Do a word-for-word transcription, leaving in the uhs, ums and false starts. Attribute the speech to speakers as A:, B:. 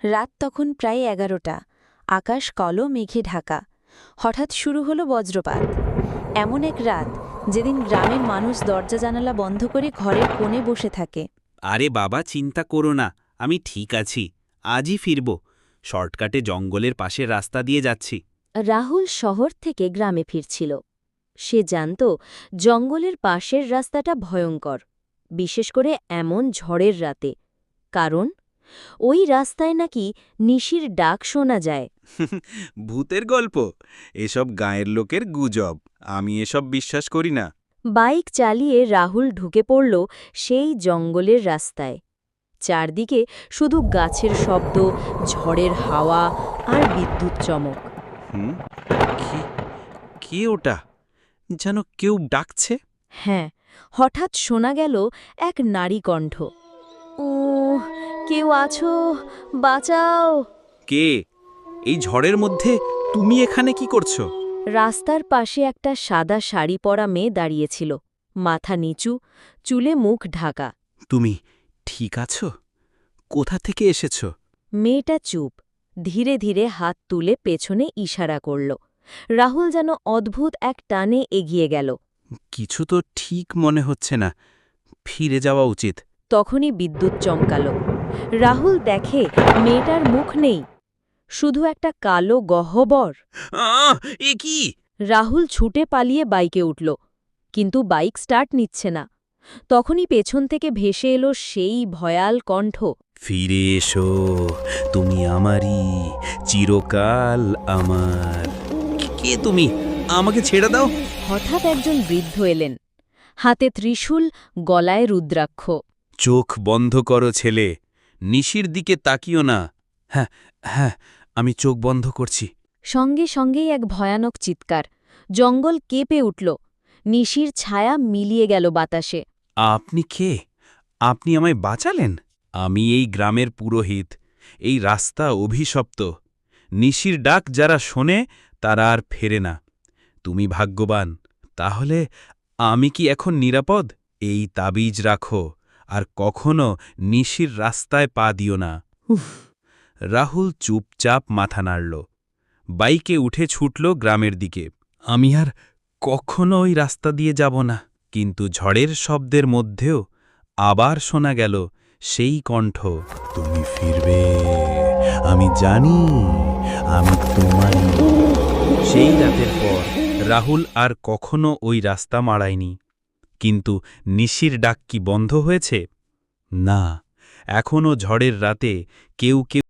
A: রাত তখন প্রায় এগারোটা। আকাশ কালো মেঘে ঢাকা। হঠাৎ শুরু হলো বজ্রপাত। এমন এক রাত যেদিন গ্রামের মানুষ দরজা জানালা বন্ধ করে ঘরের কোণে বসে থাকে।
B: আরে বাবা, চিন্তা করো না, আমি ঠিক আছি। আজই ফিরব। শর্টকাটে জঙ্গলের পাশের রাস্তা দিয়ে যাচ্ছি।
C: রাহুল শহর থেকে গ্রামে ফিরছিল। সে জানত জঙ্গলের পাশের রাস্তাটা ভয়ঙ্কর, বিশেষ করে এমন ঝড়ের রাতে। কারণ ওই রাস্তায় নাকি নিশির ডাক শোনা যায়।
B: ভূতের গল্প? এসব গাঁয়ের লোকের গুজব। আমি এসব বিশ্বাস করি না।
C: বাইক চালিয়ে রাহুল ঢুকে পড়ল সেই জঙ্গলের রাস্তায়। চারদিকে শুধু গাছের শব্দ, ঝড়ের হাওয়া আর বিদ্যুৎ চমক।
B: হুম, কি কে ওটা? যেন কেউ ডাকছে।
C: হ্যাঁ, হঠাৎ শোনা গেল এক নারী কণ্ঠ। ও, কেউ আছো? বাঁচাও!
B: কে? এই ঝড়ের মধ্যে তুমি এখানে কি করছো?
C: রাস্তার পাশে একটা সাদা শাড়ি পরা মেয়ে দাঁড়িয়েছিল, মাথা নিচু, চুলে মুখ ঢাকা।
B: তুমি ঠিক আছো? কোথা থেকে এসেছো?
C: মেয়েটা চুপ, ধীরে ধীরে হাত তুলে পেছনে ইশারা করল। রাহুল যেন অদ্ভুত এক টানে এগিয়ে গেল।
B: কিছু তো ঠিক মনে হচ্ছে না। ফিরে যাওয়া উচিত।
C: তখনই বিদ্যুৎ চমকাল। রাহুল দেখে মেয়েটার মুখ নেই, শুধু একটা কালো গহ্বর।
B: আহ, এ কি?
C: রাহুল ছুটে পালিয়ে বাইকে উঠল, কিন্তু বাইক স্টার্ট নিচ্ছে না। তখনই পেছন থেকে ভেসে এলো সেই ভয়াল কণ্ঠ।
B: ফিরে এসো, তুমি আমারই, চিরকাল আমার। কে তুমি? আমাকে ছেড়ে দাও।
C: হঠাৎ একজন বৃদ্ধ এলেন, হাতে ত্রিশূল, গলায় রুদ্রাক্ষ।
B: চোখ বন্ধ করো ছেলে, নিশির দিকে তাকিও না। হ্যাঁ হ্যাঁ, আমি চোখ বন্ধ করছি।
C: সঙ্গে সঙ্গেই এক ভয়ানক চিৎকার। জঙ্গল কেঁপে উঠল, নিশির ছায়া মিলিয়ে গেল বাতাসে।
B: আপনি কে? আপনি আমায় বাঁচালেন? আমি এই গ্রামের পুরোহিত। এই রাস্তা অভিশপ্ত। নিশির ডাক যারা শোনে তারা আর ফেরে না। তুমি ভাগ্যবান। তাহলে আমি কি এখন নিরাপদ? এই তাবিজ রাখো, আর কখনো নিশির রাস্তায় পা দিও না। উফ! রাহুল চুপচাপ মাথা নাড়ল। বাইকে উঠে ছুটল গ্রামের দিকে। আমি আর কখনো ওই রাস্তা দিয়ে যাব না। কিন্তু ঝড়ের শব্দের মধ্যেও আবার শোনা গেল সেই কণ্ঠ, তুমি ফিরবে, আমি জানি, আমি তোমারই। সেই রাতের পর রাহুল আর কখনো ওই রাস্তা মাড়ায়নি। কিন্তু নিশির ডাক কি বন্ধ হয়েছে? না, এখনও ঝড়ের রাতে কেউ কেউ